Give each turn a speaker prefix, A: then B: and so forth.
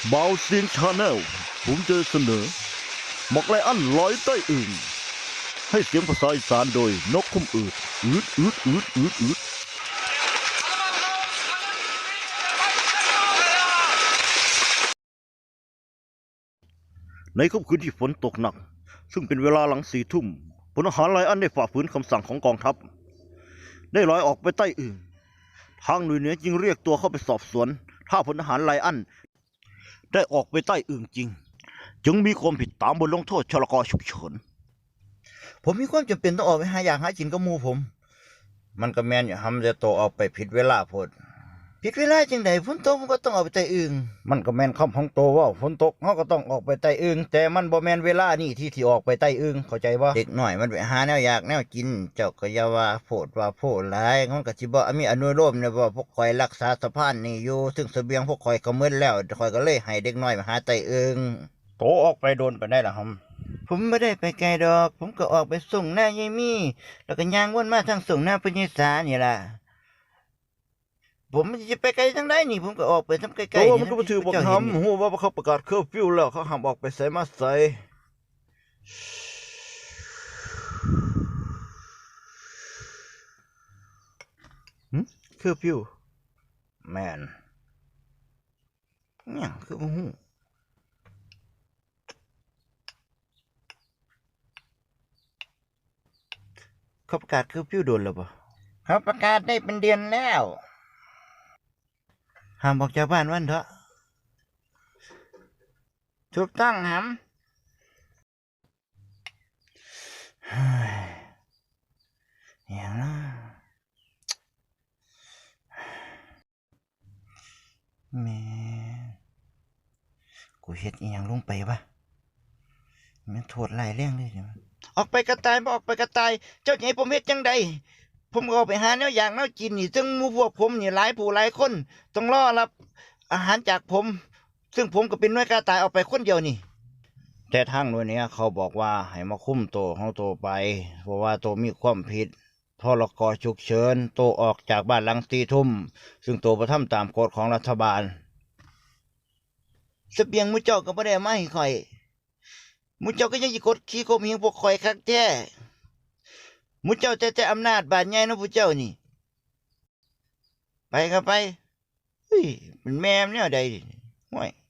A: บาวเซียงชาแนลผมจะเสนอหมอกไลอันลอยใต้อึ่งให้เสียงภาษาอีสานโดยนกคุ้มอืดในค่ำคืนที่ฝนตกหนักซึ่งเป็นเวลาหลัง4 ทุ่มพลทหารไลอันได้ฝ่าฝืนคำสั่งของกองทัพได้ลอยออกไปใต้อึ่งทางหน่วยเหนือจึงเรียกตัวเข้าไปสอบสวนถ้าพลทหารไลอันได้ออกไปใต้อึ่งจริงจึงมีความผิดตามบทลงโทษชลกฉุกเฉินผมมีความจำเป็นต้องออกไปหาอยากหากินกับหมู่ผมมันก็แม่นอยู่ทำแต่โตออกไปผิดเวลาพดผิดเวลาจังไดฝนตกมันก็ต้องออกไปใต้อึ่งมันก็แม่นคำของโตว่าฝนตกเฮาก็ต้องออกไปใต้อึ่งแต่มันบ่แม่นเวลานี่ที่ออกไปใต้อึ่งเข้าใจบ่เด็กน้อยมันไปหาแนวอยากแนวกินเจ้าก็อย่าว่าโพดหลายมันก็สิบ่มีอนุโลมเนี่ยว่าพวกข่อยรักษาสะพานนี่อยู่ซึ่งเสบียงพวกข่อยก็หมดแล้วข่อยก็เลยให้เด็กน้อยมาหาใต้อึ่งโตออกไปโดนไปได้ล่ะครับผมไม่ได้ไปไกลดอกผมก็ออกไปส่งหน้ายายมี่แล้วก็ย่างวนมาทางส่งหน้าพญสานี่ล่ะผมจะไปไกลทางใดนี่ผมก็ออกไปทำไกลๆนี่มันก็บ่ถือบ่ทำฮู้ว่าเขาประกาศเคอร์ฟิวแล้วเขาห้ามออกไปไสมาไสเคอร์ฟิวแม่นเนี่ยคือบ่ฮู้เขาประกาศเคอร์ฟิวโดนแล้วบ่เขาประกาศได้เป็นเดือนแล้วห้ามออกจากบ้านวันเถอะถูกต้องครับอย่างนะแม่กูเฮ็ดอีหยังลงไปวะมันโทษหลายเรื่องเลยเนี่ยออกไปกระต่ายบ่ออกไปกระต่ายเจ้าจะให้ผมเฮ็ดจังใดผมก็ไปหาแนวอย่างแนวกินนี่ซึ่งหมู่พวกผมนี่หลายผู้หลายคนต้องรอรับอาหารจากผมซึ่งผมก็เป็นหน่วยกระต่ายออกไปคนเดียวนี่แต่ทางหน่วยนี้เขาบอกว่าให้มาคุมโตของโตไปเพราะว่าโตมีความผิดพรกฉุกเฉินโตออกจากบ้านหลัง4 ทุ่มซึ่งโตบ่ทำตามกฎของรัฐบาลเสบียงมื้อเจ้าก็บ่ได้มาให้ข่อยมื้อเจ้าก็ยังสิกดขี่ข่มเหงพวกข่อยคักแท้มื้อเจ้าแต่อำนาจบาดใหญ่เนาะผู้เจ้านี่ไปก็ไปเฮ้ยเป็นแม่มแนวใดห่วย